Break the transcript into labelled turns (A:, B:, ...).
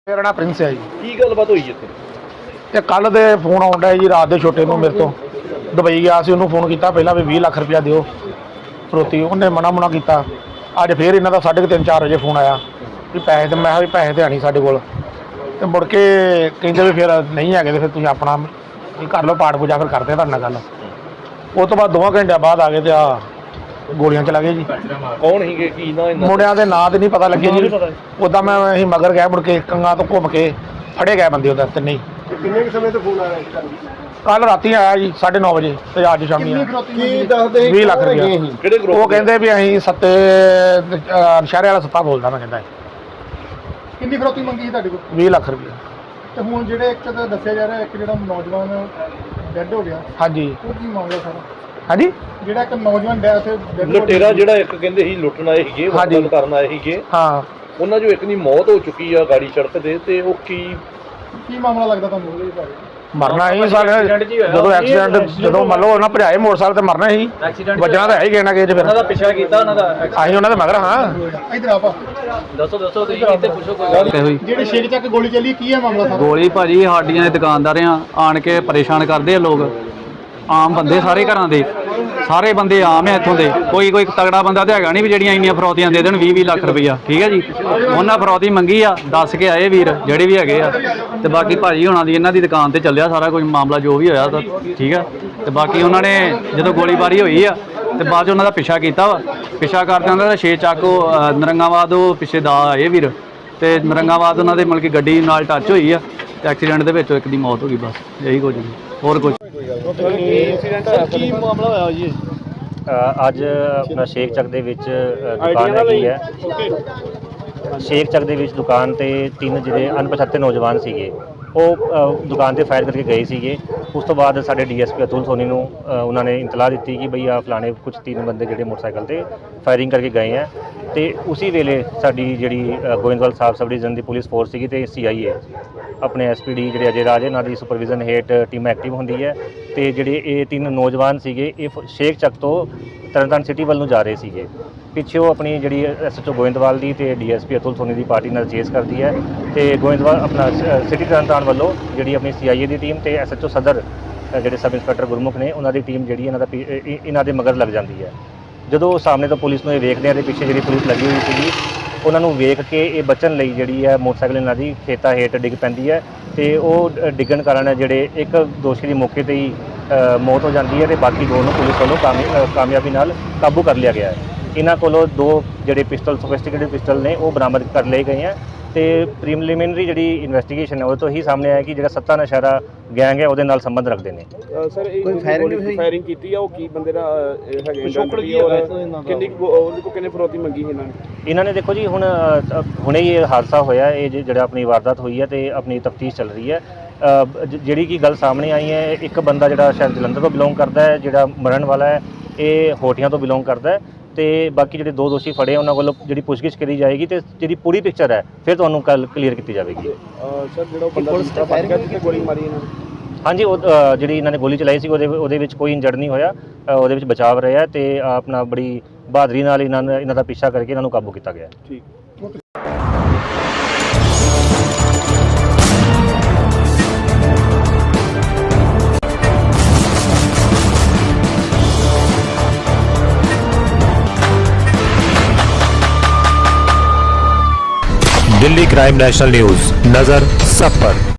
A: ਮੇਰਾ ਨਾਮ ਪ੍ਰਿੰਸ ਹੈ ਜੀ।
B: ਕੀ ਗੱਲਬਾਤ ਹੋਈ ਇੱਥੇ?
A: ਤੇ ਕੱਲ ਦੇ ਫੋਨ ਆਉਂਦਾ ਜੀ ਰਾਤ ਦੇ ਛੋਟੇ ਨੂੰ ਮੇਰੇ ਤੋਂ ਦੁਬਈ ਗਿਆ ਸੀ, ਉਹਨੂੰ ਫੋਨ ਕੀਤਾ ਪਹਿਲਾਂ ਵੀ 20 ਲੱਖ ਰੁਪਇਆ ਦਿਓ ਫਰੋਤੀ, ਉਹਨੇ ਮਨਾ ਕੀਤਾ। ਅੱਜ ਫੇਰ ਇਹਨਾਂ ਦਾ 3:30-4 ਵਜੇ ਫੋਨ ਆਇਆ ਵੀ ਪੈਸੇ ਤੇ, ਮੈਂ ਕਿਹਾ ਵੀ ਪੈਸੇ ਤੇ ਹੈ ਨਹੀਂ ਸਾਡੇ ਕੋਲ। ਤੇ ਮੁੜ ਕੇ ਕਹਿੰਦੇ ਵੀ ਫਿਰ ਨਹੀਂ ਹੈਗੇ ਤੇ ਫਿਰ ਤੁਸੀਂ ਆਪਣਾ ਕਰ ਲਓ ਪਾਠ ਪੂਜਾ, ਫਿਰ ਕਰਦੇ ਤੁਹਾਡੇ ਨਾਲ ਗੱਲ। ਉਸ ਤੋਂ ਬਾਅਦ 2 ਘੰਟਿਆਂ ਬਾਅਦ ਆ ਗਏ ਤੇ ਆ ਗੋਲੀਆਂ ਚਲਾ ਗਏ ਜੀ।
B: ਕੌਣ ਸੀਗੇ, ਕੀ ਨਾ ਇਹਨਾਂ
A: ਮੁੰਡਿਆਂ ਦੇ ਨਾਂ ਤੇ ਨਹੀਂ ਪਤਾ ਲੱਗੇ ਜੀ। ਉੱਦਾਂ ਮੈਂ ਅਸੀਂ ਮਗਰ ਗਏ, ਮੁੜ ਕੇ ਕੰਗਾ ਤੋਂ ਘੁੰਮ ਕੇ ਫੜੇ ਗਏ ਬੰਦੇ ਉਹਦਾ ਤਿੰਨੇ।
C: ਕਿੰਨੇ ਸਮੇਂ ਤੋਂ ਫੋਨ ਆ ਰਿਹਾ ਸੀ?
A: ਕੱਲ ਰਾਤੀ ਆਇਆ ਜੀ 9:30 ਵਜੇ ਤੇ ਅੱਜ ਸ਼ਾਮੀ ਆਇਆ।
C: ਕੀ ਦੱਸਦੇ
A: 20 ਲੱਖ ਰੁਪਇਆ।
B: ਕਿਹੜੇ ਗਰੁੱਪ?
A: ਉਹ ਕਹਿੰਦੇ ਵੀ ਅਸੀਂ ਸ਼ਹਿਰੇ ਵਾਲਾ ਸੱਤਾ ਬੋਲਦਾ। ਮੈਂ ਕਹਿੰਦਾ
C: ਕਿੰਨੀ ਫਰੋਤੀ ਮੰਗੀ ਸੀ ਤੁਹਾਡੇ ਕੋਲ?
A: 20 ਲੱਖ ਰੁਪਇਆ।
C: ਤੇ ਹੁਣ ਜਿਹੜੇ ਇੱਕ ਤਾਂ ਦੱਸਿਆ ਜਾ ਰਿਹਾ, ਇੱਕ ਜਿਹੜਾ ਨੌਜਵਾਨ ਡੈੱਡ ਹੋ ਗਿਆ,
A: ਹਾਂਜੀ
C: ਉਹ ਕੀ ਮਾਮਲਾ ਸਾਰਾ?
A: ਹਾਂਜੀ
C: ਜਿਹੜਾ ਇੱਕ ਨੌਜਵਾਨ ਡੈੱਡ
B: ਲੁਟੇਰਾ ਜਿਹੜਾ ਇੱਕ ਕਹਿੰਦੇ ਸੀ ਲੁੱਟਣ ਆਏ ਸੀਗੇ, ਵਾਰਦਾਤ ਕਰਨ ਆਏ ਸੀਗੇ,
A: ਹਾਂ,
B: ਉਹਨਾਂ ਜੋ ਇੱਕ ਦੀ ਮੌਤ ਹੋ ਚੁੱਕੀ ਆ ਗਾੜੀ ਸੜਕ ਤੇ ਉਹ ਕੀ
C: ਮਾਮਲਾ ਲੱਗਦਾ ਤੁਹਾਨੂੰ ਉਹਦੇ ਬਾਰੇ?
A: ਮਰਨਾ ਹੀ ਸਾਰੇ ਜਦੋਂ ਐਕਸੀਡੈਂਟ, ਜਦੋਂ ਮੰਨ ਲਓ ਉਹਨਾਂ ਭਜਾਏ ਮੋਟਰਸਾਈਕਲ ਤੇ ਮਰਨਾ ਹੀ, ਵੱਜਣਾ ਤਾਂ ਹੈ ਹੀ ਕਿਹਨਾਂ ਕਿ ਫਿਰ
D: ਦਾ ਪਿੱਛਾ ਕੀਤਾ ਉਹਨਾਂ ਦਾ।
A: ਅਸੀਂ ਉਹਨਾਂ ਦੇ ਮਗਰ ਹਾਂ।
C: ਇਧਰ ਆਪਾ
D: ਦੱਸੋ ਤੁਸੀਂ ਕਿਤੇ ਪੁੱਛੋ ਕੋਈ।
C: ਜਿਹੜੀ ਸ਼ੇਰ ਚੱਕ ਗੋਲੀ ਚੱਲੀ, ਕੀ ਹੈ ਮਾਮਲਾ ਸਾਰਾ?
D: ਗੋਲੀ ਭਾਜੀ ਸਾਡੀਆਂ ਦੇ ਦੁਕਾਨਦਾਰਿਆਂ ਆਣ ਕੇ ਪਰੇਸ਼ਾਨ ਕਰਦੇ ਆ ਲੋਕ, ਆਮ ਬੰਦੇ ਸਾਰੇ ਘਰਾਂ ਦੇ, ਸਾਰੇ ਬੰਦੇ ਆਮ ਹੈ ਇੱਥੋਂ ਦੇ। ਕੋਈ ਤਗੜਾ ਬੰਦਾ ਤੇ ਹੈਗਾ ਨਹੀਂ ਵੀ ਜਿਹੜੀਆਂ ਇੰਨੀਆਂ ਫਰੌਤੀਆਂ ਦੇ ਦੇਣ 20 ਲੱਖ ਰੁਪਈਆ। ਠੀਕ ਹੈ ਜੀ, ਉਹਨਾਂ ਫਰੌਤੀ ਮੰਗੀ ਆ, ਦੱਸ ਕੇ ਆਏ ਵੀਰ ਜਿਹੜੇ ਵੀ ਹੈਗੇ ਆ। ਤੇ ਬਾਕੀ ਭਾਜੀ ਹੋਣਾ ਦੀ ਇਹਨਾਂ ਦੀ ਦੁਕਾਨ ਤੇ ਚੱਲਿਆ ਸਾਰਾ ਕੁਝ ਮਾਮਲਾ ਜੋ ਵੀ ਹੋਇਆ ਤਾਂ ਠੀਕ ਆ। ਤੇ ਬਾਕੀ ਉਹਨਾਂ ਨੇ ਜਦੋਂ ਗੋਲੀਬਾਰੀ ਹੋਈ ਆ ਤੇ ਬਾਅਦ 'ਚ ਉਹਨਾਂ ਦਾ ਪਿੱਛਾ ਕੀਤਾ ਵਾ। ਪਿੱਛਾ ਕਰਦੇ ਉਹਨਾਂ ਦਾ 6 ਚੱਕ ਨਰੰਗਾਬਾਦ ਉਹ ਪਿੱਛੇ ਦਾ ਆਏ ਵੀਰ, ਤੇ ਨਰੰਗਾਬਾਦ ਉਹਨਾਂ ਦੇ ਮਤਲਬ ਕਿ ਗੱਡੀ ਨਾਲ ਟੱਚ ਹੋਈ ਆ ਤੇ ਐਕਸੀਡੈਂਟ ਦੇ ਵਿੱਚ ਇੱਕ ਦੀ ਮੌਤ ਹੋ ਗਈ। ਬਸ ਇਹੀ ਕੁਝ, ਹੋਰ ਕੁਝ।
B: ਕੀ ਮਾਮਲਾ ਹੋਇਆ ਜੀ?
E: ਅੱਜ ਆਪਣਾ ਸ਼ੇਖ ਚੱਕ ਦੇ ਵਿੱਚ ਦੁਕਾਨ ਹੈਗੀ ਹੈ। ਸ਼ੇਖ ਚੱਕ ਦੇ ਵਿੱਚ ਦੁਕਾਨ ਤੇ 3 ਜਿਹੜੇ ਅਣਪਛਾਤੇ ਨੌਜਵਾਨ ਸੀਗੇ, ਉਹ ਦੁਕਾਨ ਤੇ ਫਾਇਰ ਕਰਕੇ ਗਏ ਸੀਗੇ। ਉਸ ਤੋਂ ਬਾਅਦ ਸਾਡੇ ਡੀਐਸਪੀ ਅਤੁਲ ਸੋਨੀ ਨੂੰ ਉਹਨਾਂ ਨੇ ਇਤਲਾਹ ਦਿੱਤੀ ਕਿ ਬਈ ਆ ਫਲਾਣੇ ਕੁਝ 3 ਬੰਦੇ ਜਿਹੜੇ ਮੋਟਰਸਾਈਕਲ ਤੇ ਫਾਇਰਿੰਗ ਕਰਕੇ ਗਏ ਆ। ਤੇ ਉਸੇ ਵੇਲੇ ਸਾਡੀ ਜਿਹੜੀ ਗੋਇੰਦਵਾਲ ਸਾਹਿਬ ਸਬ ਡਿਵੀਜ਼ਨ ਦੀ ਪੁਲਿਸ ਫੋਰਸ ਸੀਗੀ ਤੇ ਸੀਆਈਏ ਆਪਣੇ ਐਸਪੀਡੀ ਜਿਹੜੇ ਅਜੇ ਰਾਜ ਇਹਨਾਂ ਦੀ ਸੁਪਰਵਿਜ਼ਨ ਹੇਠ ਟੀਮ ਐਕਟਿਵ ਹੁੰਦੀ ਹੈ। ਤੇ ਜਿਹੜੇ ਇਹ 3 ਨੌਜਵਾਨ ਸੀਗੇ, ਇਹ ਸ਼ੇਖ ਚੱਕ ਤੋਂ ਤਰਨਤਾਰਨ ਸਿਟੀ ਵੱਲ ਨੂੰ ਜਾ ਰਹੇ ਸੀਗੇ। ਪਿੱਛੇ ਉਹ ਆਪਣੀ ਜਿਹੜੀ ਐਸਐਚਓ ਗੋਇੰਦਵਾਲ ਦੀ ਤੇ ਡੀਐਸਪੀ ਅਤੁਲ ਸੋਨੀ ਦੀ ਪਾਰਟੀ ਨਾਲ ਚੇਸ ਕਰਦੀ ਹੈ। ਤੇ ਗੋਇੰਦਵਾਲ ਆਪਣਾ ਸਿਟੀ ਤਰਨਤਾਰਨ ਵੱਲੋਂ ਜਿਹੜੀ ਆਪਣੀ ਸੀਆਈਏ ਦੀ ਟੀਮ ਤੇ ਐਸਐਚਓ ਸਦਰ ਜਿਹੜੇ ਸਬ ਇੰਸਪੈਕਟਰ ਗੁਰਮੁਖ ਨੇ, ਉਹਨਾਂ ਦੀ ਟੀਮ ਜਿਹੜੀ ਇਹਨਾਂ ਦੇ ਮਗਰ ਲੱਗ ਜਾਂਦੀ ਹੈ। ਜਦੋਂ ਸਾਹਮਣੇ ਤੋਂ ਪੁਲਿਸ ਨੂੰ ਇਹ ਵੇਖਦੇ ਆ ਤੇ ਪਿੱਛੇ ਜਿਹੜੀ ਪੁਲਿਸ ਲੱਗੀ ਹੋਈ ਸੀਗੀ, ਉਹਨਾਂ ਨੂੰ ਵੇਖ ਕੇ ਇਹ ਬਚਣ ਲਈ ਜਿਹੜੀ ਹੈ ਮੋਟਰਸਾਈਕਲ ਇਹਨਾਂ ਦੀ ਖੇਤਾਂ ਹੇਠ ਡਿੱਗ ਪੈਂਦੀ ਹੈ। ਤੇ ਉਹ ਡਿੱਗਣ ਕਾਰਨ ਜਿਹੜੇ ਇੱਕ ਦੋਸ਼ੀ ਦੀ ਮੌਕੇ ਤੇ ਹੀ ਮੌਤ ਹੋ ਜਾਂਦੀ ਹੈ ਤੇ ਬਾਕੀ 2 ਨੂੰ ਪੁਲਿਸ ਵੱਲੋਂ ਕਾਮਯਾਬੀ ਨਾਲ ਕਾਬੂ ਕਰ ਲਿਆ ਗਿਆ ਹੈ। ਇਹਨਾਂ ਕੋਲੋਂ 2 ਜਿਹੜੇ ਪਿਸਟਲ, ਸੋਫਿਸਟੀਕੇਟਡ ਪਿਸਟਲ ਨੇ, ਉਹ ਬਰਾਮਦ ਕਰ ਲਏ ਗਏ ਹੈ। ਤੇ ਪ੍ਰੀਲਿਮਿਨਰੀ ਜਿਹੜੀ ਇਨਵੈਸਟੀਗੇਸ਼ਨ ਹੈ ਉਹ ਤੋਂ ਹੀ ਸਾਹਮਣੇ ਆਇਆ ਕਿ ਜਿਹੜਾ ਸੱਤਾ ਨਸ਼ਾਰਾ ਗੈਂਗ ਹੈ ਉਹਦੇ ਨਾਲ ਸੰਬੰਧ ਰੱਖਦੇ ਨੇ।
F: ਸਰ ਇਹ ਫਾਇਰਿੰਗ ਕੀਤੀ ਆ, ਉਹ ਕੀ ਬੰਦੇ ਦਾ ਹੈਗੇ ਕਿੰਨੀ ਉਹਦੇ ਕੋਲ ਕਿੰਨੇ ਫਰੋਤੀ ਮੰਗੀ ਇਹਨਾਂ ਨੇ?
E: ਇਹਨਾਂ ਨੇ ਦੇਖੋ ਜੀ ਹੁਣੇ ਹੀ ਇਹ ਹਾਦਸਾ ਹੋਇਆ, ਇਹ ਜਿਹੜਾ ਆਪਣੀ ਵਾਰਦਾਤ ਹੋਈ ਹੈ ਤੇ ਆਪਣੀ ਤਫਤੀਸ਼ ਚੱਲ ਰਹੀ ਹੈ। ਜਿਹੜੀ ਕੀ ਗੱਲ ਸਾਹਮਣੇ ਆਈ ਹੈ, ਇੱਕ ਬੰਦਾ ਜਿਹੜਾ ਸ਼ਾਇਦ ਜਲੰਧਰ ਤੋਂ ਬਿਲੋਂਗ ਕਰਦਾ ਹੈ, ਜਿਹੜਾ ਮਰਨ ਵਾਲਾ ਹੈ ਇਹ ਹੋਟੀਆਂ ਤੋਂ ਬਿਲੋਂਗ ਕਰਦਾ ਹੈ। ਤੇ ਬਾਕੀ ਜਿਹੜੇ 2 ਦੋਸ਼ੀ ਫੜੇ ਉਹਨਾਂ ਵੱਲੋਂ ਜਿਹੜੀ ਪੁੱਛਗਿੱਛ ਕਰੀ ਜਾਏਗੀ ਤੇ ਜਿਹੜੀ ਪੂਰੀ ਪਿਕਚਰ ਹੈ ਫਿਰ ਤੁਹਾਨੂੰ ਕੱਲ ਕਲੀਅਰ ਕੀਤੀ ਜਾਵੇਗੀ।
F: ਸਰ ਜਿਹੜਾ ਬੰਦਾ ਫੜ ਗਿਆ ਜਿੱਥੇ ਗੋਲੀ ਮਾਰੀ ਇਹਨਾਂ ਨੇ?
E: ਹਾਂਜੀ, ਉਹ ਜਿਹੜੀ ਇਹਨਾਂ ਨੇ ਗੋਲੀ ਚਲਾਈ ਸੀ ਉਹਦੇ ਵਿੱਚ ਕੋਈ ਇੰਜਰਡ ਨਹੀਂ ਹੋਇਆ, ਉਹਦੇ ਵਿੱਚ ਬਚਾਵ ਰਿਹਾ ਤੇ ਆਪਣਾ ਬੜੀ ਬਹਾਦਰੀ ਨਾਲ ਇਹਨਾਂ ਦਾ ਪਿੱਛਾ ਕਰਕੇ ਇਹਨਾਂ ਨੂੰ ਕਾਬੂ ਕੀਤਾ ਗਿਆ।
F: ਠੀਕ।
G: दिल्ली क्राइम नेशनल न्यूज, नजर सब पर।